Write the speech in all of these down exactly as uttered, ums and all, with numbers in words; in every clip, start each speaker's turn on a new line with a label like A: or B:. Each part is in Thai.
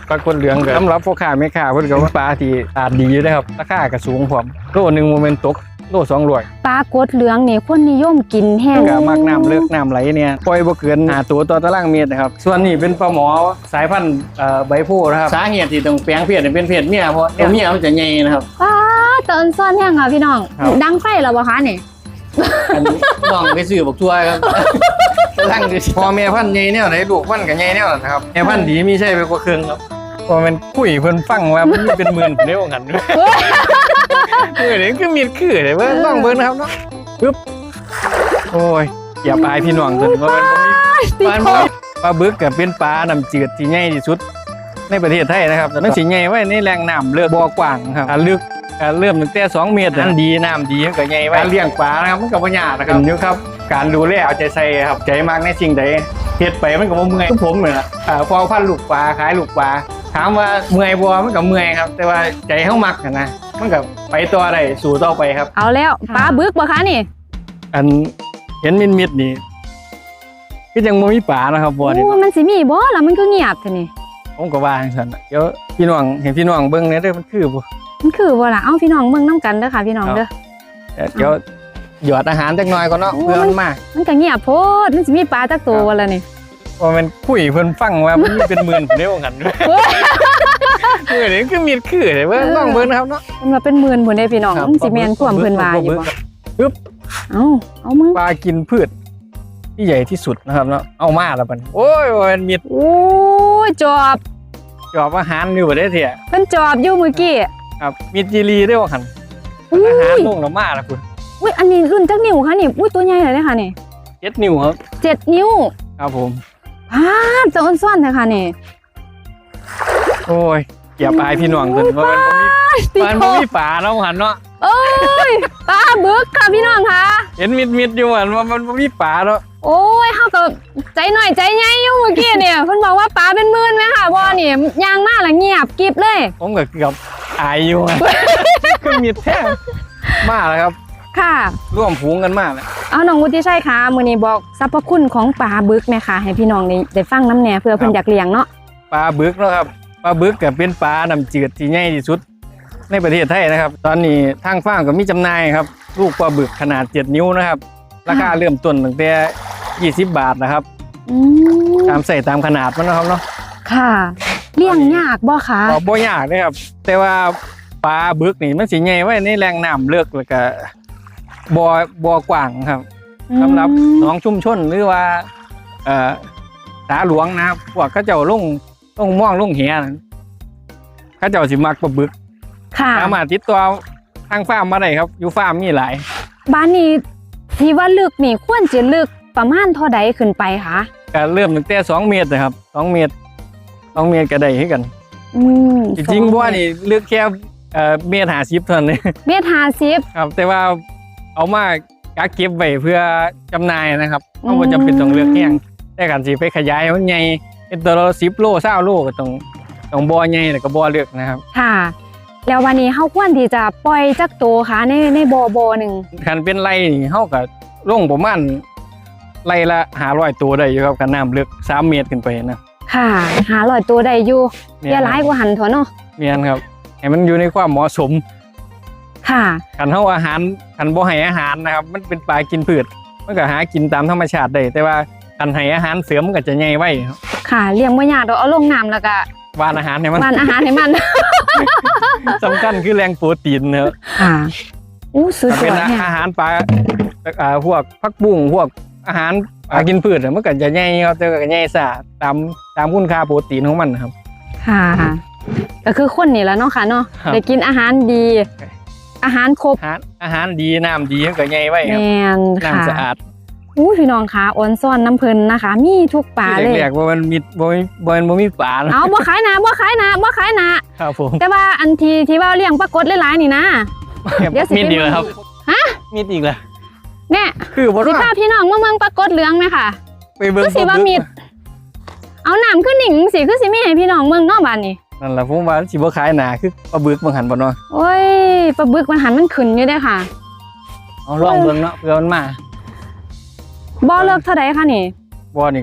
A: ปลากดเหลืองสำหรับพ่อค้าแม่ค้าเพิ่นก็ว่าปลาที่ตาดดีนะครับราคาก็สูงพร้อมโลนึงโมเมนต์ตกโลสองร้อย
B: ปลากดเหลืองนี่คนนิยมกินแห้ง
A: ก็มักน้ำเลือกน้ำไหลเนี่ยปล่อยบ่เกินห้าตัวต่อตารางเมตรนะครับส่วนนี้เป็นปลาหมอสายพันธุ์ใบโพนะครับสาเหตุที่ต้องแปลงเพศเป็นเพศเมียเพราะเมียมันจะใหญ่นะครับ
B: ว้าเตินซ่อนแห้งค่ะพี่น้องดังไฟแล้วบ่คะนี่
A: อันนี้น้องไปซื้อบักทั่วครับตั้งพอแม่พันธุ์ใหญ่แนวไหนลูกพันธุ์ก็ใหญ่แนวนั้นครับแม่พันธุ์ดีมีใช่ไปกว่าครึ่งครับพอมันคุยเพิ่นฟังว่ามันเป็นหมื่นเด้อกันด้วยเออนี่คือมีดคือเลยว่าต้องเบิ่งนะครับเนาะปึ๊บโอ้ยอย่าปลายพี่น้องจนว่ามันบ่มีปลาปลาบึกก็เป็นปลาน้ำจืดที่ใหญ่ที่สุดในประเทศไทยนะครับแต่มันสิใหญ่ไว้ในแหล่งน้ำเลือกบ่อกว้างครับลึกเริ่มตั้งแต่สองเมตรนั้นดีน้ำดีก็ใหญ่ไว้การเลี้ยงปลานะครับมันก็บ่ยากนะครับอยู่ครับการดูแลเอาใจใส่ครับใจมากในสิ่งใดเฮ็ดไปมันก็บ่เมื่อยทุกผมเหมือนอ่าพอพันลูกปลาขายลูกปลาถามว่าเมื่อยบ่มันก็เมื่อยครับแต่ว่าใจเฮามักนะมันก็ไปต่อได้สู่ต่อไปครับ
B: เอาแล้วปลาบึกบ่คะนี่
A: อันเห็นมิดๆนี่คือยังบ่มีปลานะครับบ่นี่
B: โอ้มันสิมีบ่ล่ะมันคือเงียบแท้นี่
A: ผมก็ว่าจังซั่นเดี๋ยวพี่น้องเห็นพี่น้องเบิ่งเนี่ยเด้อมันคือบ่
B: มันคือบ่ล่ะเอ้าพี่น้องเบิ่งนำกันเด้อค่ะพี่น้องเด้อ
A: เดี๋ยวหยอดอาหารจักหน่อยก่อนเนาะเพื่อมันมา
B: มันก็เงียบโพดมันสิมีปลาจักตัวบ่ล่ะนี่
A: พอมันคุยเพิ่นฟังว่ามันเป็นหมื่นเด้อกันด้วยเออนี่คือมีดคือเลยว่าต้องเบิ่งนะครับเนาะ
B: มันว่าเป็นหมื่นพุ่นเด้พี่น้องมันสิแม่นความเพิ่นว่าอยู่บ่
A: ปึ๊บ
B: เอ้าเอามึง
A: ปลากินพืชที่ใหญ่ที่สุดนะครับเนาะเอามาแล้วบัดโอ้ยมันมีด
B: โอ้ยจอบ
A: จอบอาหารอยู่บ่ได้เถอะ
B: เพิ่นจอบอยู่เมื่อกี้
A: ครับมีจีรีได้ว่าหั่นอาหารลงแล้วมาแล้วคุณ
B: อุ้ยอันนี้รุ่นจักนิ้วคะนี่อุ้ยตัวใหญ่เลยเด้อค่ะนี่
A: เจ็ดนิ้วครับ
B: เจ็ดนิ้ว
A: ครับผม
B: อ่าจะอ้นซ่อนเลยค่ะนี่
A: โอ้ยอย่าปลายพี่น้องจนว่ามันบ่มีมันบ่มีปลาเนาะหันเนาะ
B: โอ้ยปลาบึกค่ะพี่น้องค่ะ
A: เห็นมิดๆอยู่ว่ามันบ่มีปลาเนาะ
B: โอ้ยเฮาก็ใจหน่อยใจใหญ่อยู่เมื่อกี้เนี่ยเพิ่นบอกว่าปลาเป็นหมื่นมั้ยค่ะบ่นี่ยางมาแล้วเงียบกิ๊บเลย
A: ผมก็เกือบอายอยู่คือมิดแท้มาแล้วครับ
B: ค่ะ
A: ร่วมฝูงกันมากเลย
B: เอาน้องวุฒิชัยค่ะมื้อนี้บอกสรรพคุณของปลาบึกแม่ค่ะให้พี่น้องได้ฟังน้ำแหน่เพื่อเพิ่นอยากเลี้ยงเนาะ
A: ปลาบึกเนาะครับปลาบึกก็เป็นปลาน้ำจืดที่ใหญ่ที่สุดในประเทศไทยนะครับตอนนี้ทางฟาร์มก็มีจำหน่ายครับลูกปลาบึกขนาดเจ็ดนิ้วนะครับราคาเริ่มต้นตั้งแต่ยี่สิบบาทนะครับตามใส่ตามขนาดมันนะครับเนาะ
B: ค่ะเลี้ยงยากบ่คะ
A: บ่ยากนะครับแต่ว่าปลาบึกนี่มันสิใหญ่ไว้ในแหล่งน้ำเลือกแล้วก็บ่อบ่อกว้างครับสำหรับหนองชุมชนหรือว่าเอ่อสาหลวงนะครับพวกเขาเจ้าลงลงม่วงลงเหียเขาเจ้าสิมักปลาบึกสามารถติดต่อทางฟาร์มมาได้ครับอยู่ฟาร์มมีหลาย
B: บ้านนี้ที่ว่าลึกนี่ควรจะลึกประมาณเท่าใดขึ้นไปคะ
A: ก็เริ่มตั้งแต่สองเมตรนะครับสองเมตรสองเมตรก็ได้ให้กันจริงๆว่านี่ลึกแค่เอ่อเมตรห้าสิบเท่านั้น
B: เมตรห้าสิบ
A: ครับแต่ว่าเอามากักเก็บไว้เพื่อจำหน่ายนะครับเพราะว่าจำเป็นต้องเลือกแห้งแต่การสิไปขยายมันใหญ่เป็นตัวละสิบโลเศร้าโลก็ต้องต้องบ่อใหญ่แล้วก็บ่อเลือกนะครับ
B: ค่ะแล้ววันนี้เฮาควรที่จะปล่อยจักโตค่ะในในบ่อบ่อหนึ่ง
A: คันเป็นไรนี่เฮาก็ลงประมาณไรละห้าร้อยตัวได้อยู่ครับกันน้ำเลือกสามเมตรขึ้นไปนะ
B: ค่ะห้าร้อยตัวได้อยู่อย่าหลายกว่าหันเถอะเนาะ
A: เมียนครับให้มันอยู่ในความเหมาะสม
B: ค่ะ
A: คันเฮาอาหารคันบ่ให้อาหารนะครับมันเป็นปลากินพืชมันก็หากินตามธรรมชาติได้แต่ว่าคันให้อาหารเสริมมันก็จะใหญ่ไว้
B: ค่ะเลี้ยงบ่ยากดอกเอาลงน้ำแล้วก็
A: หว่านอาหารให้มัน
B: หว่านอาหารให้มัน
A: สำคัญคือแรงโปรตีนนะครับ
B: ค่ะอู้สุดยอด
A: เป็นอาหารปลาอ่าพวกผักบุ้งพวกอาหารปลากินพืชมันก็จะใหญ่ครับแต่ก็ใหญ่ซะตามตามคุณค่าโปรตีนของมันครับ
B: ค่ะก็คือคนนี่แหละเนาะค่ะเนาะได้กินอาหารดีอาหารครบ
A: อาหารดีน้ำดีก็ใหญ่ไว้ครับน้ำสะอาด
B: อู้พี่น้องคะอ่อนซ่อนน้ำเพลินนะคะมีทุกปลาเลย
A: แรกๆว่ามันมีบ่มีบ่มันบ่มีปลา
B: เอาบ่ขายนะบ่ขายนะบ่ขายนะครับ
A: ผม
B: แต่ว่าอันทีที่ว่าเลี้ยงปลากดหลายๆนี่นะ
A: เดี๋ยวสิมีอีกแล้วครับ
B: ฮะ
A: มีอีกแล้ว
B: เนี่ย
A: คือบ่
B: สิพาพี่น้องมาเมืองปลากดเหลืองไหมค่ะ
A: ไปเบิ่ง
B: คือสิว่ามีเอาน้ำขึ้นหนิงสิคือสิมีให้พี่น้องเมืองนอกบ้านนี่
A: นั่นแหละผมว่าสิบ่ขายหนาคือปลาบึกบางหันบ่เนาะ
B: โอ้ยปลาบึกมันหันมันขึ้นอยู่เด้อค่ะ
A: เอาลองเบิ่งเนาะเผื่อมันมา
B: บ่เลิกเท่าใดคะนี่
A: บ่นี่ก็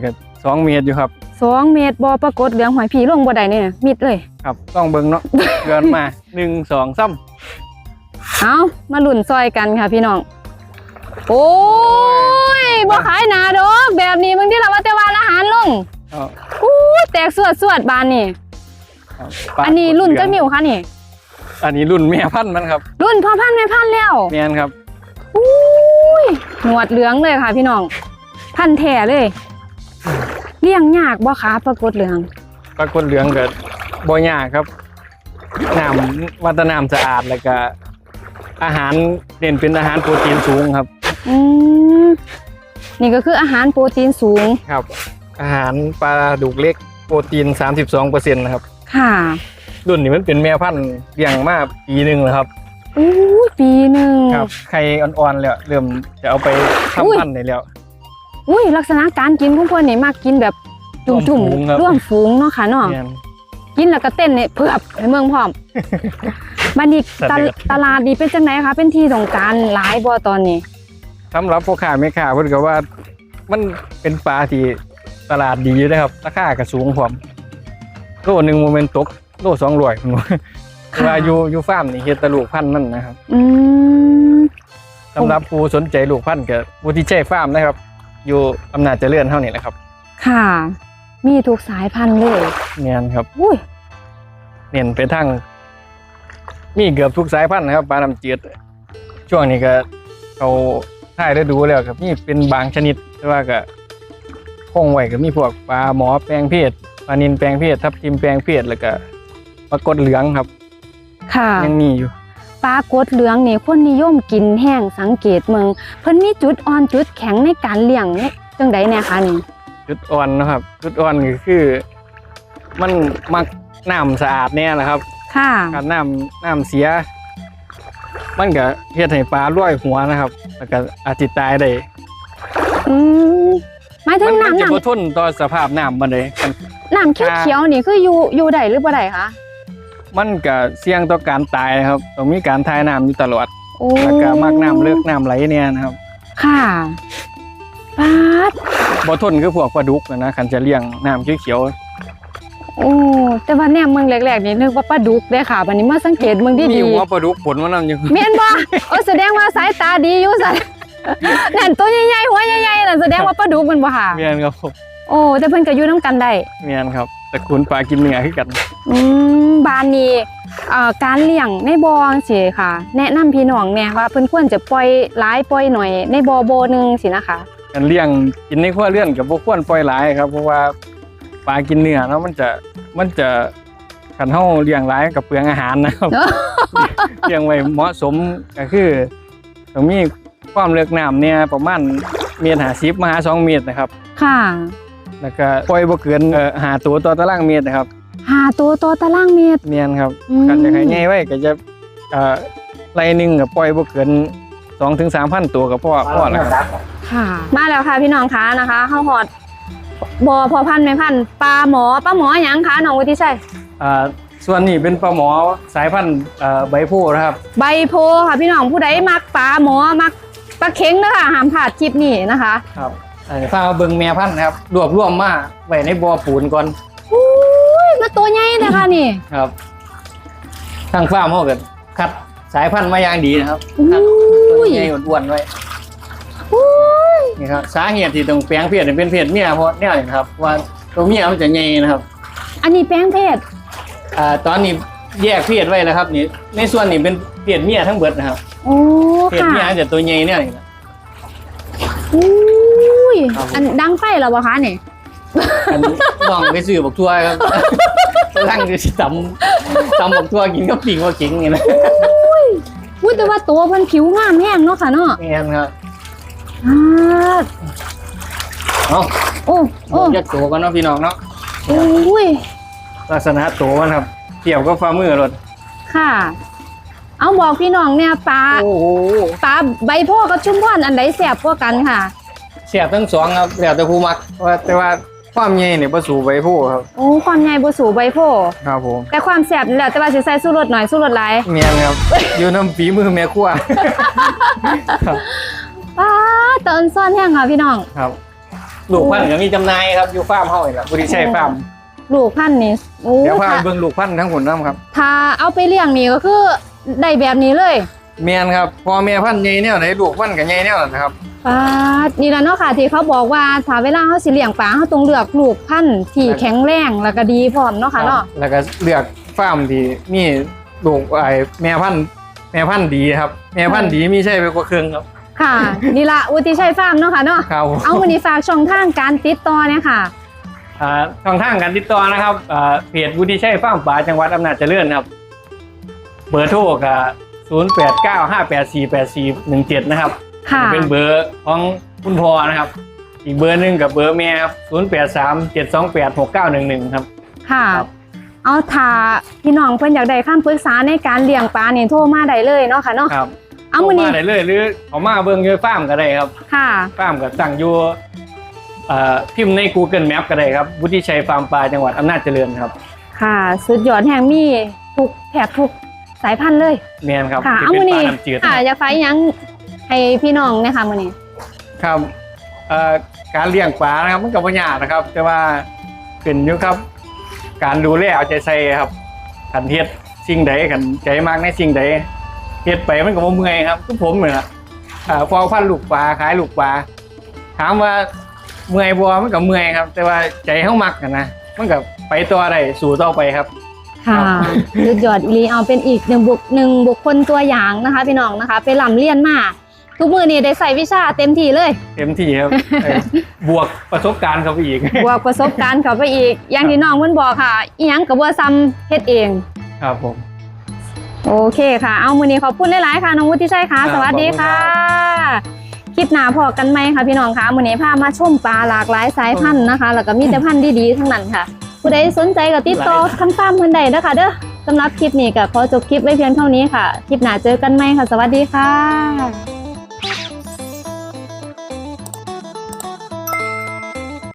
A: สองเมตรอยู่ครับ
B: สองเมตรบ่ปรากฏเหลืองหอยผีลงบ่ได้เนี่ยมิดเลย
A: ครับต้องเบิ่งเนาะ เกินมาหนึ่งสองสาม
B: เอามาลุ้นซอยกันค่ะพี่น้องโอ้ยบ่ขายหนาดอกแบบนี้บางทีเราว่าแต่ว่าอาหารลง
A: ครับ
B: อู้แตกสวดสวดบานนี่
A: ครับ
B: อันนี้รุ่นเจ้ามิวค่ะนี่
A: อันนี้รุ่นแม่พันธุ์มันครับ
B: รุ่นพ่อพันธุ์แม่พันธุ์แล้ว
A: แม่นครับ
B: อู้ยหนวดเหลืองเลยค่ะพี่น้องพันธุ์แท้เลยเลี้ยงยากบ่คะปรากฏเหลือง
A: ปรากฏเหลืองเกิดบ่ยากครับน้ำวัตน้ำสะอาดแล้วก็อาหารเน้นเป็นอาหารโปรตีนสูงครับ
B: อืมนี่ก็คืออาหารโปรตีนสูง
A: ครับ อาหารปลาดุกเล็กโปรตีน สามสิบสองเปอร์เซ็นต์ นะครับ
B: ค่ะ
A: รุ่นนี้มันเป็นแม่พันธุ์เลี้ยงมาปีหนึ่งแล้วครับ
B: อู้ยปีหนึ่ง
A: ครับไข่อ่อนๆแล้วเริ่มจะเอาไป
B: อุ้ย
A: ทำพันธุ์ได้แล้ว
B: อุ้ยลักษณะการกินของเพื่อนนี่มากกินแบบจุ่ม
A: ร่วมฝูงครับ
B: ๆร่วมฝูงเนาะค่ะเนาะ
A: แม่น
B: กินแล้วก็เต้นเนี่ยเพือบให้เมืองพร้อม บัดนี้
A: สัตว์
B: ตะ
A: เดือด
B: ตลาดนี้เป็นจังไดคะเป็นที่ต้องการหลายบ่ตอนนี้
A: สำหรับพ่อค้าแม่ค้าเพิ่นก็ว่ามันเป็นปลาที่ตลาดดีอยู่นะครับราคาก็สูงพร้อมโลหนึงโมเมนตกโลสองร้อยผมว่า
B: ค่ะ
A: ว่าอยู่อยู่ฟาร์มนี่เฮ็ดแตลูกพันธุ์มันนะครับ
B: อืม
A: สำหรับผู้สนใจลูกพันธุ์ก็ผู้ที่ใช้ฟาร์มนะครับ อยู่อำนาจเจริญเท่านี้แหละครับ
B: ค่ะ มีทุกสายพันธุ์เลย
A: เนียนครับ
B: อุ้ย
A: เน้นไปทางมีเกือบทุกสายพันธุ์นะครับปลาน้ำจืดช่วงนี้ก็เขาถ่ายได้ดูแล้วครับนี่เป็นบางชนิดแต่ว่าก็คงไว้ก็มีพวกปลาหมอแปลงเพศปลานิลแปลงเพศทับทิมแปลงเพศแล้วก็ปลากดเหลืองครับ
B: ค่ะ
A: ยังมีอยู่
B: ปลากดเหลืองนี่คนนิยมกินแห้งสังเกตเมืองเพิ่นมีจุดอ่อนจุดแข็งในการเลี้ยงเนี่ยจังไดแน่คะนี่
A: จุดอ่อนนะครับ จุดอ่อนก็คือ มันมักน้ำสะอาดแน่นะครับ
B: ค่ะ
A: การน้ำน้ำเสีย มันก็เฮ็ดให้ปลาร้อยหัวนะครับ แล้วก็อาจจะตายได้
B: อืมหมายถึ
A: มั
B: ง
A: มั
B: น้ำ
A: จะ
B: น้
A: บ่ทนต่อสภาพน้ำมันเลยมัน
B: ำน้ำเขียวๆนี่คืออยู่อยู่ได้หรือบ่ได้คะ
A: มันก็เสี่ยงต่อการตายนะครับต้องมีการทายน้ำอยู่ตลอด
B: โอ้
A: แล้วก็มากน้ำเลิกน้ำไหลเนี่ยนะครับ
B: ค่ะปาด
A: บ่ทนคือพวกปลาดุกนะนะคันจะเลี้ยงน้ำเขียว
B: โอ้แต่ว่าแนมเมืองแรกๆนี่นึกว่าปลาดุกเด้ค่ะบัดนี้มาสังเกตเมือง
A: ๆมี
B: ดี
A: หัวปลาดุกผลมันนำอยู่
B: ๆแม่นบ่โอ้แสดงว่าสายตาดีอยู่ซั่น นั่นตัวใหญ่ๆหัวใหญ่ๆนั่นแสดงว่าปลาดุกมันบ่ค่ะ
A: เมียนครับผม
B: โอ้แต่เพิ่นก็อยู่นํกันได้
A: เมียนครับแต่คุณปลากินเนื้อคือกัน
B: อืมบ้านนี้เอ่อการเลี้ยงในบ่อสิค่ะ แนะนำพี่น้องแน่ว่าเพิ่นควรจะปล่อยหลายปล่อยหน่อยในบ่อบ่หนึงสินะคะ
A: การเลี้ยงกินในครัวเรือนกับบ่ควรปล่อยหลายครับเพราะว่าปลากินเนื้อเนาะมันจะมันจะคันเฮาเลี้ยงหลายกับเปลืองอาหารนะครับ เลี้ยงไว้เหมาะสมก็คือต้องมีความลึกน้ำเนี่ยประมาณเมตรห้าสิบมาหาสองเมตรนะครับ
B: ค่ะ
A: แล้วก็ปล่อยบ่เกินเอ่อห้าตัวต่อตารางเมตรนะครับ
B: หาตัวต่อตารางเมตร
A: เมียนครับ
B: อืม
A: กันจะให้ใหญ่ไว้ก็จะเอ่อไร่หนึงก็ปล่อยบ่เกินสองถึงสามพันตัวก็พอพอแล้วครับ
B: ค่ะ มาแล้วค่ะพี่น้องคะนะคะเฮาฮอดบ่อพอพันธุ์แม่พันธุ์ปลาหมอปลาหมอหยังคะน้องวุฒิชัย
A: อ่าส่วนนี้เป็นปลาหมอสายพันธุ์เอ่อใบโพธิ์นะครับ
B: ใบโพค่ะพี่น้องผู้ใดมักปลาหมอมักปลาเค็งนะคะห้ามพลาดคลิปนี้นะคะ
A: ครับอันนี้ฟ้าเบิ่งแม่พันธุ์นะครับรวบรวมมาไว้ในบ่อปูนก่อน
B: อุ้ยมาตัวใหญ่เลยค่ะนี่
A: ครับทางฟาร์มเขาก็คัดสายพันธุ์มาอย่างดีนะครับคัดตัว
B: อุ้ย
A: ใหญ่อ้วนๆไว้
B: อุ้ย
A: นี่ครับสาเหตุที่ต้องแปลงเพศให้เป็นเพศเมียเพราะเนี่ยนี่นะครับว่าตัวเมียมันจะใหญ่นะครับ
B: อันนี้แป้งเพศ
A: อ่าตอนนี้แยกเพศไว้แล้วครับนี่ในส่วนนี้เป็นเพศเมียทั้งเบิดนะครับ
B: โอ้
A: เพศ
B: ค่ะ
A: เมียจะตัวใหญ่เนี่ยนี่นะ
B: อุ้ย
A: ครับผม
B: อันดังไปแล้ววะคะเนี่ย
A: อันนี้น้องไปซื้อบักทั่วครับ กำลังจะตำตำบักทั่วกินกับปิ่งว่าขิงนี่นะ
B: อุ้ยแต่ว่าตัวมันผิวงามแห้งเนาะค่ะเนาะ
A: นี่ครับ
B: อ่า
A: เอา
B: โอ้โอ้
A: แยกตัวกันเนาะพี่น้องเนาะ
B: อุ้ย
A: ลักษณะตัวมันครับเกี่ยวกับฝ่ามือรถ
B: ค่ะ เอาบอกพี่น้องเนี่ยปลา
A: โอ้โห
B: ปลาใบโพกับชุมพรอันใดแสบกว่ากันค่ะ
A: เสียบทั้งสองครับแล้วแต่ผู้มักว่าแต่ว่าความใหญ่เนี่ยประสูใบผู้ครับ
B: โอ้ความใหญ่บ่สูใบโพ
A: ครับผม
B: แต่ความแสบนี่แหละแต่ว่าสิใส่สู้รสหน่อยสู้รสหลาย
A: เมียนครับ อยู่น้ำฝีมือแม่ครัว ครับ
B: ป้าเตินซ่อนแห้งค่ะพี่น้อง
A: ครับลูกพันธุ์ก็มีจำหน่ายครับอยู่ฟาร์มเฮานี่แหละบุรีชัยฟาร์ม
B: ลูกพันธุ์นี่โอ้
A: เดี๋ยวพาไป
B: ถ้า
A: เบิ่งลูกพันธุ์ทั้งผลน้ำครับ
B: ถ้าเอาไปเลี้ยงนี่ก็คือได้แบบนี้เลย
A: แม่นครับพอแม่พันธุ์ใหญ่แนวไหนลูกพันธุ์ก็ใหญ่แนวนั้นนะครับ
B: ปาดนี่แหละเนาะค่ะที่เขาบอกว่าถ้าเวลาเขาสิเลี้ยงปลาเขาต้องเลือกลูกพันธุ์ที่แข็งแรงแล้วก็ดีพร้อมเนาะค่ะเนาะ
A: แล้วก็เลือกฟาร์มที่มีลูกไอ้แม่พันธุ์แม่พันธุ์ดีครับแม่พันธุ์ดีมีใช่ไปกว่าเครื่องครับ
B: ค่ะนี่ละวุฒิชัยฟาร์มเนาะค่ะเนาะ
A: ครับ
B: เอาวันนี้ฝากช่องทางการติดต่อเนี่ยค่ะ
A: อ่าช่องทางการติดต่อนะครับอ่าเพจวุฒิชัยฟาร์มปลาจังหวัดอำนาจเจริญครับเบอร์โทรกับศูนย์ แปด เก้า ห้า แปด สี่ แปด สี่ หนึ่ง เจ็ดนะครับ
B: ค่ะ
A: เป็นเบอร์ของคุณพ่อนะครับ อีกเบอร์หนึ่งกับเบอร์แม่ครับศูนย์ แปด สาม เจ็ด สอง แปด หก เก้า หนึ่ง หนึ่งครับ
B: ค่ะ
A: ครับ
B: เอาถ้าพี่น้องเพิ่นอยากได้คำปรึกษาในการเลี้ยงปลานี่โทรมาได้เลยเนาะค่ะเนาะ
A: ครับ
B: เอามื้อนี้
A: มาได้เลยหรือเขามาเบิ่งอยู่ฟาร์มก็ได้ครับ
B: ค่ะ
A: ฟาร์มก็ตั้งอยู่เอ่อพิมพ์ใน Google Map ก็ได้ครับวุฒิชัยฟาร์มปลาจังหวัดอำนาจเจริญครับ
B: ค่ะสุดยอดแห่งมีทุกแถบทุกสายพันธุ์เลย
A: แม่นครับ
B: ค่ะ
A: ที่
B: เอา
A: เป็
B: มื้อน
A: ปลา
B: นี้
A: น้ำจืด
B: ค่ะอยากฝากอิหยังให้พี่น้องเนะคะมื้อนี้
A: ครับเอ่อการเลี้ยงปลานะครับมันก็บ่ยากนะครับ แต่ว่าเป็นอยู่ครับ การดูแลเอาใจใส่ครับขันเฮ็ดสิ่งใดขันใจมากในสิ่งใดเฮ็ดไปมันก็บ่เมื่อยครับทุกผมเหมือนละอ่าพอพันลูกปลาขายลูกปลาถามว่าเมื่อยบ่มันก็เมื่อยครับ แต่ว่าใจเฮามักกันนะมันก็ไปต่อได้สู่ต่อไปครับ
B: ค่ะสุดยอดอีหลีเอาเป็นอีกหนึ่งบุคหนึ่งบุคคลตัวอย่างนะคะ พี่น้องนะคะ ไปลำเรียนมาทุกมือนี่ได้ใส่วิชาเต็มที่เลย
A: เต็มที่ครับ เออบวกประสบการณ์เข้าไปอีก
B: บวกประสบการณ์เข้าไปอีก อย่างที่น้องเพิ่นบอกค่ะอีหยังกับบัวซ้ำเฮ็ดเอง
A: ครับผม
B: โอเคค่ะ เอามือนี้ขอบคุณหลายๆค่ะน้องวุฒิชัยค่ะ
A: ครับ
B: สวัสดีค่ะ
A: ขอบคุณ
B: คลิปหน้าพอกันไหมคะพี่น้องคะมือนี้พามาชมปลาหลากหลายสายพันธุ์นะคะ แล้วก็มีแต่พันธุ์ดีๆทั้งนั้นค่ะ ผู้ใดสนใจก็ติดต่อทางฟาร์มเพิ่นได้เด้อค่ะเด้อสำหรับคลิปนี้ก็ขอจบคลิปไว้เพียงเท่านี้ค่ะ คลิปหน้าเจอกันไหมค่ะ สวัสดีค่ะ